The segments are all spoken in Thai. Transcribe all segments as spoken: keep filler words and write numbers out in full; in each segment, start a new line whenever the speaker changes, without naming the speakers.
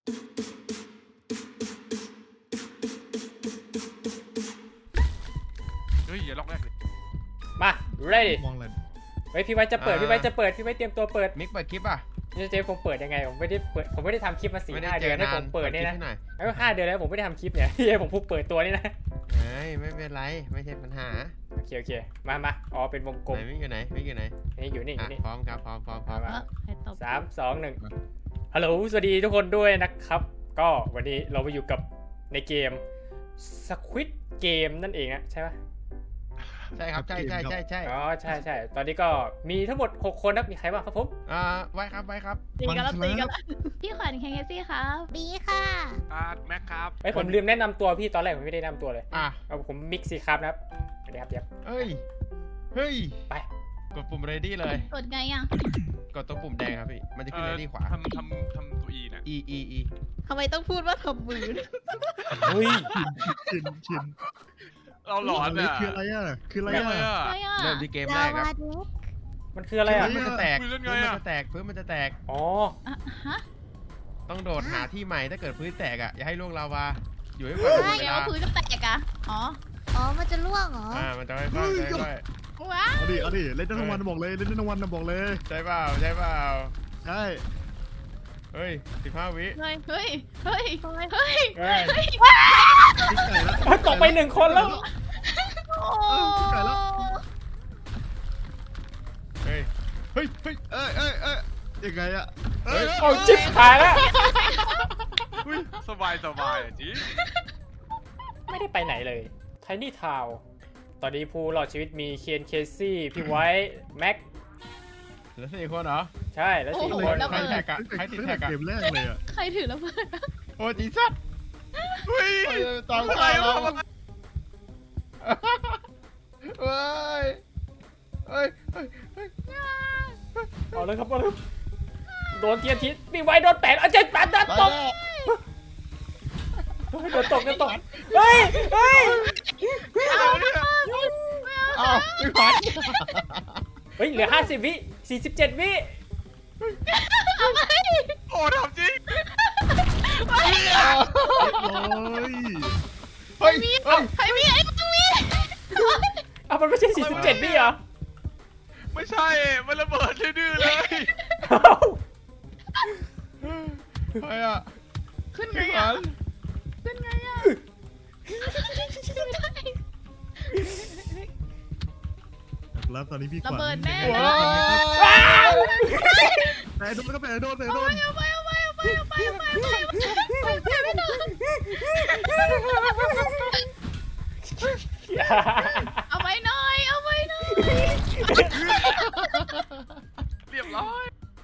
เฮ้ยอย่าล็อกแรกเลย
มา ready
มองเลย
เฮ้ยพี่ไว้จะเปิดพี่ไว้จะเปิดพี่ไว้เตรียมตัวเปิด
มิกเปิดคลิปอ่ะ
นี่เจ๊ผมเปิดยังไงผมไม่ได้เปิดผมไม่ได้ทำคลิปมาสี่ห้าเดือนให้ผมเปิดเนี่ยนะแล้วห้าเดือนแล้วผมไม่ได้ทำคลิปเนี่ยที่ผมพูดเปิดตัวนี่นะ
เฮ้ยไม่เป็นไรไม่ใช่ปัญหา
โอเคโอเคมามาอ๋อเป็นวงกลม
ไหนมิกอยู่ไหนมิกอยู่ไหน
นี่อยู่นี่อ
อ่ะ
ยู่นี่
พร้อมครับพร้อมพร้อมพร้อม
มาสามสองหนึ่งฮัลโหลสวัสดีทุกคนด้วยนะครับก็วันนี้เรามาอยู่กับในเกม Squid Game นั่นเองนะใช่ปะ
ใช่ครับใช่ใช่ใช่ใช่
อ๋อใช่ใช่ตอนนี้ก็มีทั้งหมดหกคนนะมีใครบ้างครับผม
อ่าไว้ครับไว้ครับ
ตีกันแล้วตีกันแล้วพี่ขวัญแคงเกซี่ครับบีค่ะ
อาร์ตแม็กครับ
ไอ้ยผมลืมแนะนำตัวพี่ตอนแรกผมไม่ได้แนะนำตัวเลย
อ่ะ
เอาผมมิกซี่ครับนะครับสวัสดีครับเดี๋ยว
เฮ้ยเฮ้ย
ไป
กดปุ่ม ready เลย
กดไงอ่ะ
กดตัวปุ่มแดงครับพี่มันจะขึ้น ready ขวา
ทำทำทำตัวอีนะ
e e e
ทำไมต้องพูดว่าทำมือ
เฮ้ย
ชินชิน
เราหลอนอ่ะ
คืออะไรอ่ะคืออะไร
อะไร
อ่ะ
อ่ะ
ใช่อ่ะ
เริ่มที่เกมแรกครับ
มันคืออะไรอ่ะ
พื้นมันจะแตก
คุย
พื้
เล่
น
นไง
มัน
อ่ะ
จะแตกพื้นมันจะแตก
อ๋อ
อ่ะฮะ
ต้องโดดหาที่ใหม่ถ้าเกิดพื้นแตกอ่ะอย่าให้ล่วงลาวาอยู่ให้กว่า
ใช่
เว
แล้
ลาว
พื้นก็แตกอ่ะอ๋อ
อ๋อ มันจะล่วงเหรอ
อ่ามันจะค่อยๆค่อย
ว้า
เอาดิเอาดิเล่นได้ทั้งวันนะบอกเลยเล่นได้ทั้งวันนะบอกเลย
ๆใช่เปล่าใช่เปล่า
ใช่
เฮ้ยสิบห้าวิ
เฮ้ยเฮ้ยเฮ้ยเฮ้ย
เฮ้ย
เฮ้ย
พลิกไก่แล้ว
เฮ้ยตกไปหนึ่งคนแล้ว
โอ้
ไก่แล้ว
เฮ้ยเฮ้ยเฮ้ย
เอ้ยเอ้ยเอ้ยยังไงอ่ะเอ้ย
เอาจิ๊บขายแล้ว
อุ้ยสบายสบายอ่ะจี
ไม่ได้ไปไหนเลยไทนี่ทาวตอนนี้ผู้รอดชีวิตมีเคนเคซี่พี่ไวท์แม็ก
เหลือสี่คนเหรอ
ใช่แล้วสี่คน
ใครแท็กอะ
ตั้งแต่
ใครติด
ตั้ง
แท็
แต่
กอะ
เกมแรกเลยอ่ะ
ใครถือระเบิด
โอ้จีสัตว์
เฮ้ย
ตาม
ทำ
ใจ
ไม
เรา
ทำไม
เฮ้ยเฮ้ยเฮ้ยเฮ้ย
เอาเลยครับเอาเลยโดนเทียนทิศพี่ไวท์โดนแปดเอาเจ็ดแปดโดนตกเฮ้ยโดนตกโดนตกเฮ้ยเฮ้ย
เอาเนี่ย
อ้าวไม่ขวัญ
เฮ้ยเหลือห้าสิบวิสี่สิบเจ็ดวิ
โอ้ทำจริง
โอ้ย
เฮ้ยเฮ้ย
ใครมีไอ้ตรงนี้
เอามันไม่ใช่สี่สิบเจ็ดวิเหรอ
ไม่ใช่มันระเบิดดื้อๆเลย
เอ้า
เฮ้ยอะ
ขึ้นไง
ไม่ข
อ่ะ
วัญ
ขึ้นไงอ่ะไม่ได้
แล้วตอนนี้พี่ข
ระ
วัญ
เบิดแน่
ว้าว
แต่โดนก็แต่โดนแต่โดน
เอาไปเอาไปเอาไปเอาไปเอาไปเอาไปเอาไปไม่ได้เอาไปหน่อยเอาไปหน่อย
เรียบร้อย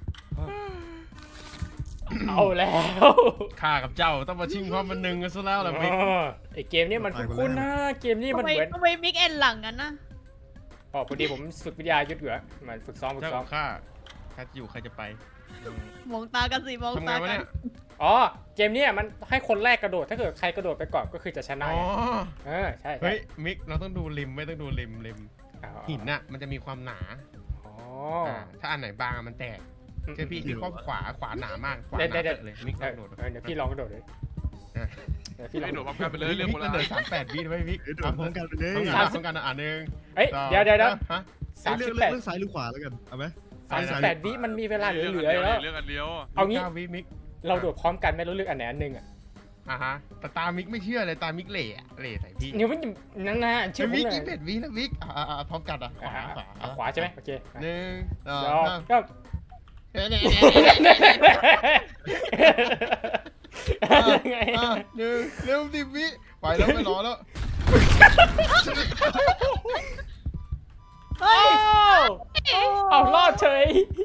เอาแล้ว
ข้ากับเจ้าต้องมาชิงความบันหนึ่งกันซะแล้วล่ะมิก
อ๋อไอเกมนี้มันคุ้นๆนะเกมนี้มัน
ทำไม
เหมือน
ทำไมมิกเอ็นหลังกันนะ
อ๋อพอดีผมฝึกวิทยายุทธอยู่อะเหมือนฝึกซ้อมฝึก
เจ้า
ซ้อ
ข
ม
องข้าข้าจะอยู่ใครจะไป
มองตากันสิมอง
ทำไง
ตาว
ะ
กั
เนี่
น
ย
อ๋อเกมเนี้ยมันให้คนแรกกระโดดถ้าเกิดใครกระโดดไปก่อนก็คือจะชนะ
อ๋อ
เออใช่ใช่
เฮ้ยมิกเราต้องดูริมไม่ต้องดูริมริม
อ๋อ
หินน่ะมันจะมีความหนา
อ๋อ
อ่าถ้าอันไหนบางอะมันแตกเจอพี่ที่ข้อขวาขวาหนามากขวาห
เดี๋ยว
นา
เดี๋ยว
เลยมิก
เอ
ต้อ
อง
โดด
เออเดี๋ยวพี่ลองกระโดดเลย
อ่ะ
เดี๋ยวพี่ลอง
ไม่โดดพร้อมกันไปเลยเรื่องโบ
มิก
รา
มัน
ณ
เดินสามแปดวิด้วยมิก
เดี๋ยวโดนพร้อมกันไปเลย
ต้อง
เ
การต้องการอ่านหนึ่ง
เอ้ย
สอง
เดี๋ยวเดี๋ยวเดี๋ยว
ฮะ
สาม
เลื
สิ
อก
บแปด
เลือกซ้ายหรือขวาแล้วกันเอาไหม
สามสิบแปดวิมันมีเวลาเหลือๆอยู่แล้ว
เรื่องอันเดียว
เอางี้
ก้วิมิก
เราโดดพร้อมกันไม่รู้เลือกอันไหนอันหนึ่งอะ
อ่ะฮะแต่ตามิกไม่เชื่อเลยตามิกเหล่อะเหล่ใส่พี่
เดี๋ยวมันนั่นนะชื่อผม
มิก
หน่อ
ยี่
ย
สิบเอ็ดวิแล้วมิกอ่าอ่าพร้อมกันอ่ะข
อ่ะ
วา
อ่ะ
ขวา
อ่ะขวาใช่ไหมโอเค
หนึ่งสอง
สอง
สาม
ก็
เฮ้ยเนี่ย
ยังไง
อ่ะหนึ่งเร็วสิบวิไปแล้วไปรอแล้ว
เอ้าเอารอดเฉย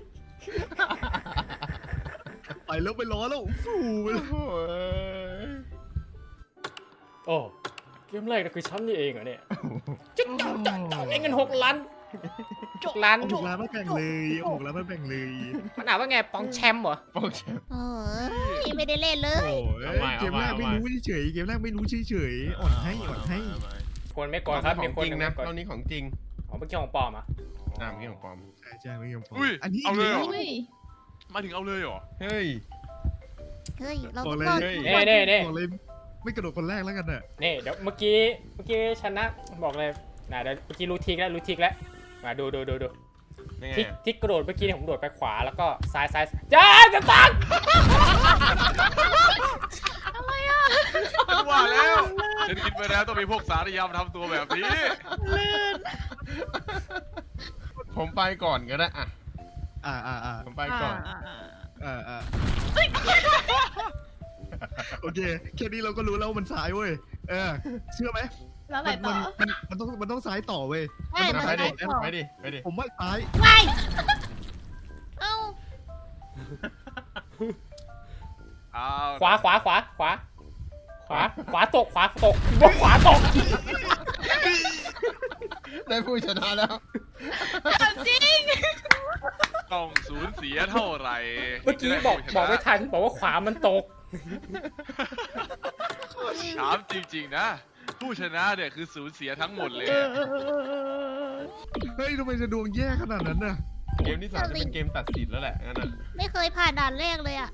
ไปแล้วไปล้อแล้วฟูไปแล้ว
โอ้ย
โอ้เกมแรกนะคือฉันนี่เองเหรอเนี่ยจิ๊กจ๊อกจ๊อกจ๊อกไอ้เงินหกล้านหกล้าน
เอาหกล้านมาแบ่งเลยเอาหกล้านมาแบ่งเลย
มันอ่านว่าไงปองแชมป์เหรอ
โอเค
โอ้ยไม่ได้เล่นเล
โอ้
ย
ย
เอาใหม่
เกมแรก
เอาใหม่
ไม่รู้เฉยๆเกมแรกไม่รู้เฉยๆอ่อนให้อ่อนให้
คนไม่กดครับ
ข
มี
อง
คน
จริง
หนึ่ง
นะ
ไม่กด
รอบนี้ของจริง
อ๋อเมื่อกี้ของปลอมอ่ะ
อ่าเมื่อกี้ของปลอม
ใช่ใช่ไม่ยอมฟัง
อุ้ย
อันนี้
เอาเลยเหรอ
อุ้ย
มาถึงเอาเลยเหรอ
เฮ้ย
เฮ้ย เรา
บ
ต้
อ
อก ง
เลย
รอด
เน่เน่เน่
บอกเลยไม่กระโดดคนแรกแล้วกันน่ะ
นี่เดี๋ยวเมื่อกี้เมื่อกี้ชนะบอกเลยนะเดี๋ยวเมื่อกี้รู้ทิกแล้วรู้ทิกแล้วมาดูดูดูดู
นี่ไง
ทิกทิกกระโดดเมื่อกี้เนี่ยผมโดดไปขวาแล้วก็ซ้ายซ้ายจ้าจะตัง
อะไรอ่ะ
ฉันว่าแล้วฉันคิดไปแล้วต้องมีพวกสารยามทำตัวแบบนี้
ผมไปก่อนก็ได้อ่ะ
อ่าอ่าอ่า
ผมไปก่อน
อ่าอ่าโอเคแค่นี้เราก็รู้แล้วว่ามันซ้ายเว้ยเออเชื่อไหม
แล้วอะไร
มัน
ต่อ
มันมันต้องมันต้องซ้ายต่อเว้ย
ใช่
มั
มัน
น
ไป
ได้
ดิ
ต่อ
ไปดิไปดิ
ผมว่าซ้าย
ไปเอ้า
เอา
ขวาขวาขวาขวาขวาขวาตกขวาตกบอกขวาตก
ได้ผู้ชนะแล้ว
จริง
ต้องสูญเสียเท่าไหร่
เมื่อกี้บอกบอกไม่ทันบอกว่าขวามันตก
ถามจริงๆนะ ผู้ชนะเนี่ยคือสูญเสียทั้งหมดเลย
เฮ้ยทำไมจะดวงแย่ขนาดนั้นน่ะ
เกมที่สามจะเป็นเกมตัดสินแล้วแหละงั้นน่ะ
ไม่เคยผ่านด่านแรกเลยอ่ะ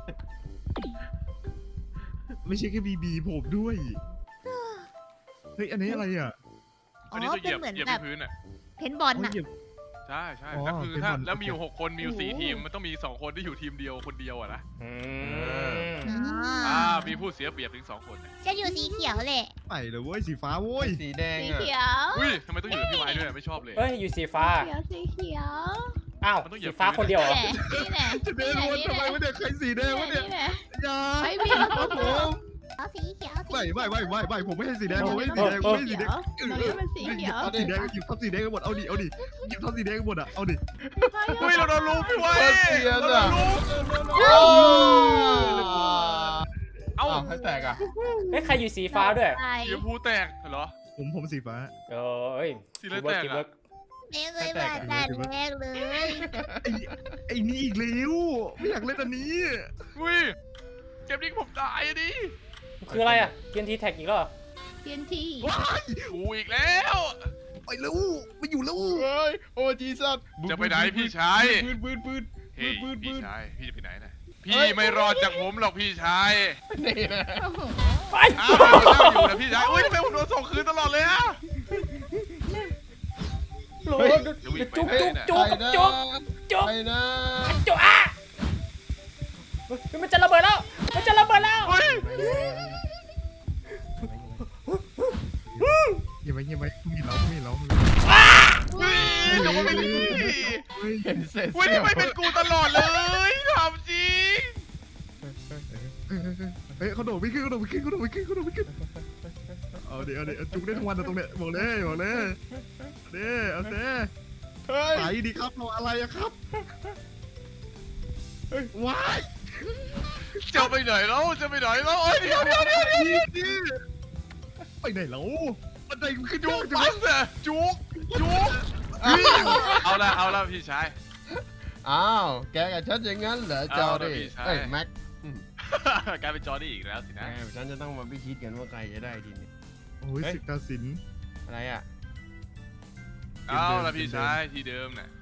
ไม่ใช่แค่บีบีผมด้วยเฮ้ยอันนี้อะไรอ่ะ
อ๋
อั
อน
นี้จะเห
เป็
ยี
น
ยบ
เหมือน
เหยียบ
แบบ
ที่พื้นอ่ะ
เพนบอล
โอ้ย
น่ะ
เหยียบ
ใช่ใช่
อ๋อ
แล้วคือ
เป็น
ถ้า
บอล
แล้วมีอยู่หกคนมีอยู่สี่
โอ้โห
ทีมมันต้องมีสองคนที่อยู่ทีมเดียวคนเดียวอะนะ
อืม
อ่ามีผู้เสียเปรียบถึงสองคนเนี่ย
ฉันอยู่สีเขียวแหละ
ไปเลยเว้ยสีฟ้าเว้ย
สีแดง
สี
อ่ะ
เขียว
อุ้ยทำไมต้องอยู่กับพี่ไม้ด้วยไม่ชอบเลย
เฮ้ยอยู่สีฟ้า
เขียวสีเขียว
อ้าว
มันต้องเหยี
สี
ยบ
ฟ้าคนเดียวเหรอ
นี่แหละ
จะเดินวนทำไมวะเนี่ยใครสีแดงวะเนี่ย
นี่แหละ
อย่า
ไม่มี
ครับผม
เอาสีเขียวสี
ไม่
เขียว
ไม่ไม่ไม่ไม่ผมไม่ให้สีแดงผมไม่ให้สีแดงผมไม่ให้สีแดง
เราเรียกมันสีเขียว
หยิบสีแดงหยิบทับสีแดงกันหมดเอาดิเอาดิหยิบทับสีแดงกันหมดอ่ะเอาดิ
อุ้ยเราโดนลูกพี่ไว้
โคตรเกลียด
เราโด
อ่ะ
นลูก
โอ้
เอ้า
เอ้าให้แตกอ่ะ
เฮ้ยใครอยู่สีฟ้าด้วย
ไป
สีชมพูแตกเหรอ
ผมผมสีฟ้า
เอ้ย
สีอะไร
ทีมเวิร์ก
แตก
ทีม
อะ
เวิร์ก
ไม่เคยผ่านด่านแรกเลย
ไอ้ไอ้นี่อีกแล้วไม่อยากเล่นอันนี้
อุ้ยเกมนี้ผมตายอะดิ
คืออะไรอ่ะเกียนทีแท็กอีกแล้วเหรอ
เทียนที
ว้าย
กูอีกแล้ว
ไปแล้วไม่อยู่แล้ว
เฮ้ยโอ้จีซัส
จะไปไหนพี่ชาย
ปืนปืนปืน
เฮ้ย
ปืนปื
พี่
น
ชายพี่จะไปไหนนะ
เฮ้
พี่
ย
ไม่รอดจากผมหรอกพี่ชาย
นี่นะ
ไป
อ้าวเราอยู่นะพี่ชายอุ้ยทำไมผมโดนส่งคืนตลอดเลยอะ
โหลดจุ๊บจุ๊บจุ๊บ
ไปนะ
จุ๊บจุ๊บ
ไปนะ
จุ๊บอ่ะเฮ้ยมันจะระเบิดแล้วมันจะระเบิดแล้ว
เฮ้ย
เงียบไว้เงียบไว้มีเรามีเรา
อุ้ยเดี๋ยวมันไม่เป็นกูพี่
เฮ้ย
เห็นเสร็จ
อุ้ย
เสี้ย
ทำ
ว
ไมเป็นกูตลอดเลยถามจริง
เฮ้ยเขาโดดไม่ขึ้นเขาโดดไม่ขึ้นเขาโดดไม่ขึ้นเขาโดดไม่ขึ้นเอาดิเอาดิจุกได้ทั้งวันนะตรงเนี้ยบอกเลยบอกเลยเด้เอาเซ่
เฮ้ย
ไปดีครับเราอะไรอะครับว้าย
จะไปไหนแล้วจะไปไหนแล้วโอ้ยเดี๋ยวเดี๋ยวเดี๋ยว
นี่ไปไหนแล้วบันไดขึ้น
จุ
จุ
ก
กจุก
ปัสอะจุกจุกเอาละเอาละพี่ชาย
อ้าวแกกับฉันอย่างนั้นเหรอจอ
เอาละ
ดิ
พี่ชาย
เอ้ยแม็ก
กลายเป็นจอร์ดี้อีกแล้วสิ
แหม
นะ
ฉันจะต้องมาพิชิตกันว่าใครจะได้ทีนี้
โอ้ยศึกตาสิน
อะไรอ่ะ
เอาละพี่ชายที่เดิมน่ะ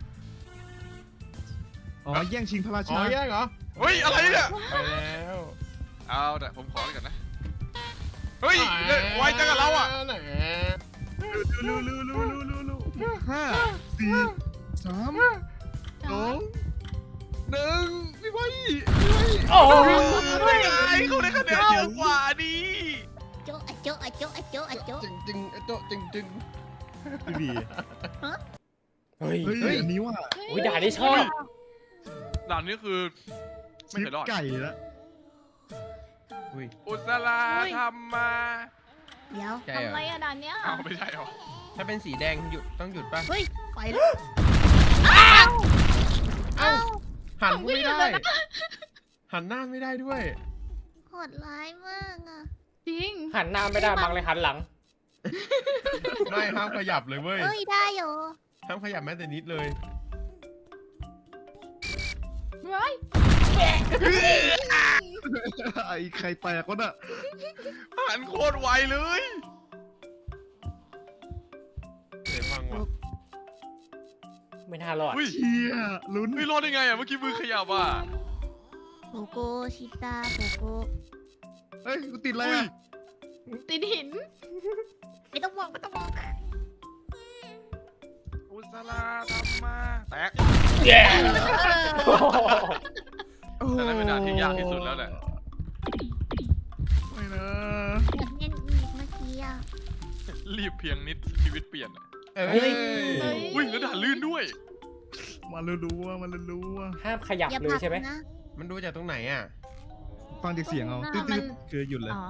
อ๋อแย่งชิงพระรา
อ๋อ
ชา
แย่งเหรอ
เฮ้ยอะไรเนี่ย
ไปแล้ว
เอาแต่ผมขอไปก่อนนะเฮ้ยไวจังกับเราอ่ะ
ไหน
ลูลูลูลูลูลูลูห้าสี่สามสองหนึ่งพี่ไว้พี่ไว้
โอ้โห
ไม่ไงเขาได้คะแนนเยอะกว่าดิ
โจ๊ะอะโจ๊ะอะโจ๊ะอะโจ๊ะอะโจ๊ะ
จึงจึงโต๊ะจึงจึง
พี่บี
เฮ้ย
เฮ้ยอันนี้ว่า
อุ้ยด่าได้ชอบ
ด่านนี้คือไม่
ชิ
เค
ป
ยรอด
ไก่แล้ว
อุ้ย
อุสลาทำมา
เดี๋ยว
ใช่เหร
ทำ
อ
ไมอะด่านเนี้ย
เอาไม่ใช่หรอ
ถ้าเป็นสีแดงหยุดต้องหยุดป่ะ
เฮ้ยไปแล้ว
เอ้า
เอ้า
หันไม่ได้ หันหน้าไม่ได้ด้วย
โหดร้ายมากอ่ะ
จริง
หันหน้าไม่ได้มังเลยหันหลัง
ไม่ห้ามขยับเลยเว้ย
เฮ้ยได้เหรอ
ห้ามขยับแม้แต่นิดเลย
เฮ้ย
ไอ้ไข่แตกวะน่ะ
หันโคตรไวเลย
เสียฟังว่ะ
ไม่น่ารอด
อุ้ย
เชี่ยลุ้น
ไม่รอดได้ไงอ่ะเมื่อกี้มือขยับอ่ะ
โหโกโกชิตาโกโก
เฮ้ยกูติดอะไรอ่ะ
ติดหิน
ไม่ต้องมองไม่ต้องมอง
อุสลาทำมาแตก
เย้
แต่นั่นเป็นด่านที่ยากที่สุดแล้วแหละ
ไม่นะ
อยากเล่นอีกเมื่อกี้อ่ะ
รีบเพียงนิดชีวิตเปลี่ยนอะ
เอ้
เฮ้ย
ย
อุ้ยแล้วด่านลื่นด้วย
มารู้ๆว่ามันรู้ๆว่า
ห้ามขยับ
อย่า
เล
ผลั
ย
ก
ใช่ไหม
นะ
มันดูจากตรงไหนอ่ะ
ฟังจากเสียงเอา
อ่า
ตื
มัน
ดๆคือหยุดเลย
อ๋อ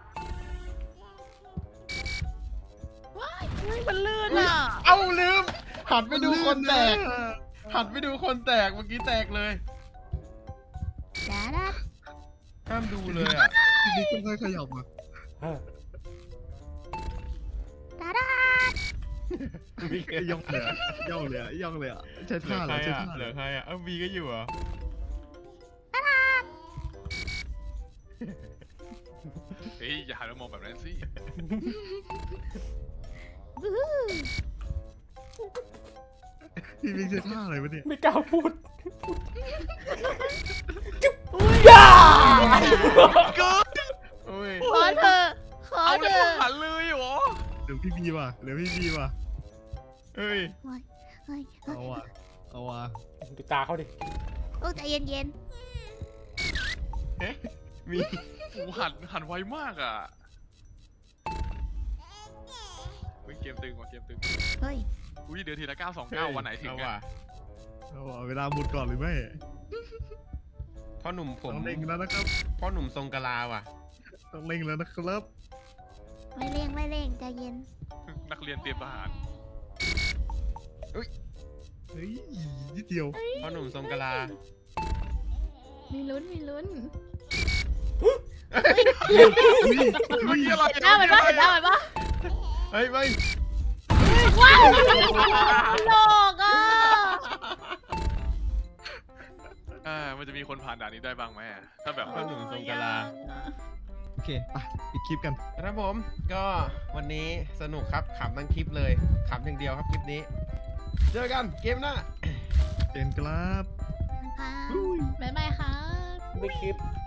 ว้ายเฮ้ยมันลื่นอ่ะ
เอ้าลืม หันไปดูคนแตก หันไปดูคนแตกเมื่อกี้แตกเลย
ดาดา
ห้ามดูเลยอ่ะ
ทีนี้ค่อยๆขยับมา
เออ
ดาดา
ย่องเลยอะย่องเลยอะย่องเลยอะใช้
เหลื
ท่า
อ
เห
ใค
ร
ร
อใช้
อ่ะ
ท่า
เห
เห
ลื
ร
อ
อ
ใครอ่ะเอ้าบีก็อยู่เหรอ
เฮ้ยอย่าหันมามองแบบนั้นสิ
วู้ฮู้
พี่บิ๊กใช้ท่าอะไรวะเนี่ย
ไม่กล้าพูด
เกิน
โอ้ย
ขอเธอะขอ
เอา
เธ
แล้ว
อะ
หันเลยเหรอ
เหลือพี่บีว่ะเหลือพี่บีว่ะ
เอ้ย
เฮ้ยเฮ้ย
เอาว่ะเอาว่ะ
ดูตาเขาดิ
โอ้ใจเย็นเย็น
เอ๊ะมี
โอ้หันหันไวมากอ่ะเฮ้ยเกมตึงว่ะเกมตึง
ๆเฮ้ย
อุ้ยเดือนทีละเก้าสองเก้าวันไหนถึง
เอา
อ่ะ
ว่ะ
เอาว่ะเวลาหมดก่อนหรือไม่
พ่อหนุ่มผม
ต้องเล่งแล้วนะครับ
พ่อหนุ่มทรงกะลาว่ะ
ต้องเล่งแล้วนะครับ
ไม่เร่งไม่เร่งใจเย็น
นักเรียนเตรียมทหาร
เฮ้ยนิดเดียว
พ่อหนุ่มทรงกะลา
มีลุ้นมีลุ้น
เมื่อกี้อะไร
หน้ามันปะเห็นหน้ามันปะ
เฮ้ยไม่
ว้าวโลกอ่ะ
อ่ามันจะมีคนผ่านด่านนี้ได้บ้างไหมอะถ้าแบบ
พ่อหนุ่มทรงกะลา
โอเคไปปิดคลิปกัน
ครับผมก็วันนี้สนุกครับขำทั้งคลิปเลยขำอย่างเดียวครับคลิปนี้ เจอกันเกมหน้า
เจนครับ
ค่ะ
บ๊ายบายค่ะ
ไม่คลิป